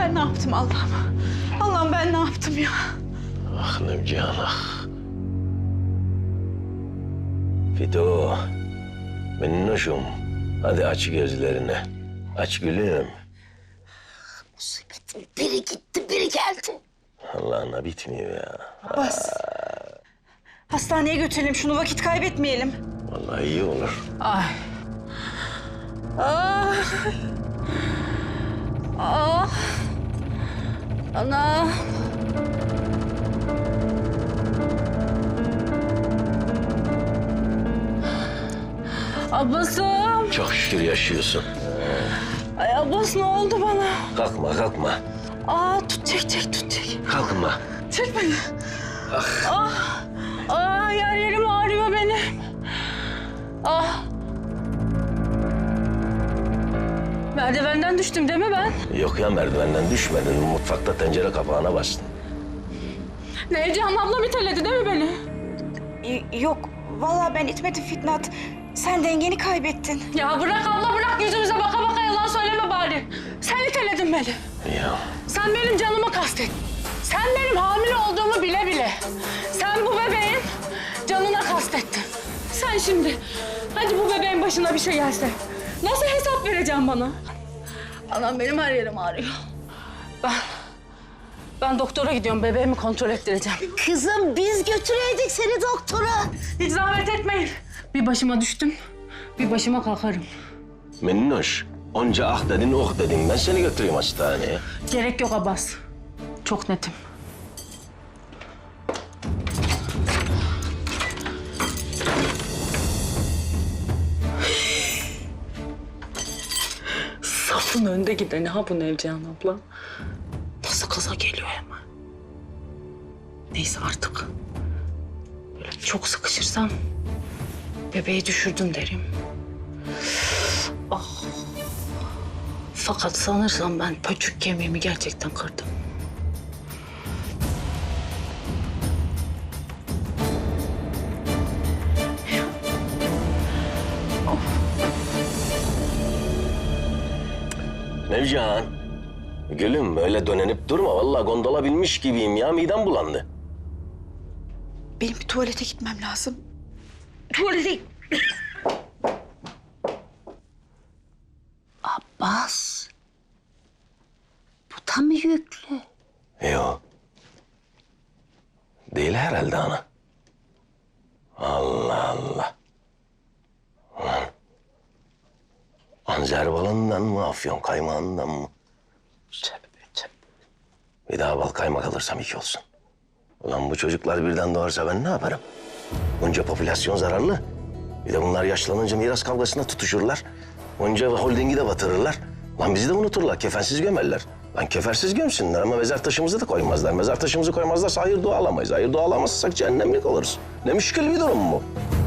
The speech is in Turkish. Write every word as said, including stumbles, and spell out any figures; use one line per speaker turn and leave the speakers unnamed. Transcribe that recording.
Ben ne yaptım Allah'ım? Allah'ım ben ne yaptım ya?
Ah Nevcihan ah. Fido, minnoşum. Hadi aç gözlerini. Aç gülüm.
Musibetin biri gitti, biri geldi.
Allah'ına bitmiyor ya.
Abbas. Hastaneye götürelim şunu, vakit kaybetmeyelim.
Vallahi iyi olur.
Ay. Ah. Ah. Ana. Abbas'ım.
Çok şükür yaşıyorsun.
Ay Abbas ne oldu bana?
Kalkma kalkma.
Aa tut çek çek tut çek.
Kalkma.
Çek beni.
Ah.
Ah. Ah yer yerim ağrıyor benim. Ah. Merdivenden düştüm değil mi ben?
Yok ya merdivenden düşmedin. Mutfakta tencere kapağına bastın.
Nevcihan ablam iteledi değil mi beni?
Yok, vallahi ben itmedim Fitnat. Sen dengeni kaybettin.
Ya bırak abla bırak, yüzümüze baka baka yalan söyleme bari. Sen iteledin beni.
Ya.
Sen benim canımı kastettin. Sen benim hamile olduğumu bile bile. Sen bu bebeğin canına kastettin. Sen şimdi hadi bu bebeğin başına bir şey gelse nasıl hesap vereceğim bana? Anam benim her yerim ağrıyor. Ben, ben doktora gidiyorum, bebeğimi kontrol ettireceğim.
Kızım biz götüreydik seni doktora.
Hiç zahmet etmeyin. Bir başıma düştüm, bir başıma kalkarım.
Minnoş, onca ah dedin oh dedin. Ben seni götüreyim hastaneye.
Gerek yok Abbas. Çok netim. Safın önde gideni ha bu Nevcihan abla. Nasıl kaza geliyor hemen. Neyse artık. Böyle çok sıkışırsam bebeği düşürdüm derim. Ah. Fakat sanırsam ben pöçük kemiğimi gerçekten kırdım.
Nevcihan, gülüm öyle dönenip durma. Vallahi gondola binmiş gibiyim ya. Midem bulandı.
Benim bir tuvalete gitmem lazım.
Tuvalete... Abbas. Bu da mı yüklü?
Yok. Değil herhalde ana. Allah Allah. Ulan. Anzer balından mı, afyon kaymağından mı? Tövbe tövbe. Bir daha bal kaymak alırsam iki olsun. Ulan bu çocuklar birden doğarsa ben ne yaparım? Bunca popülasyon zararlı. Bir de bunlar yaşlanınca miras kavgasına tutuşurlar. Onca holdingi de batırırlar. Lan bizi de unuturlar, kefensiz gömerler. Lan kefersiz gömsünler ama mezar taşımızı da koymazlar. Mezar taşımızı koymazlarsa hayır dua alamayız. Hayır dua alamazsak cehennemlik oluruz. Ne müşkül bir durum bu.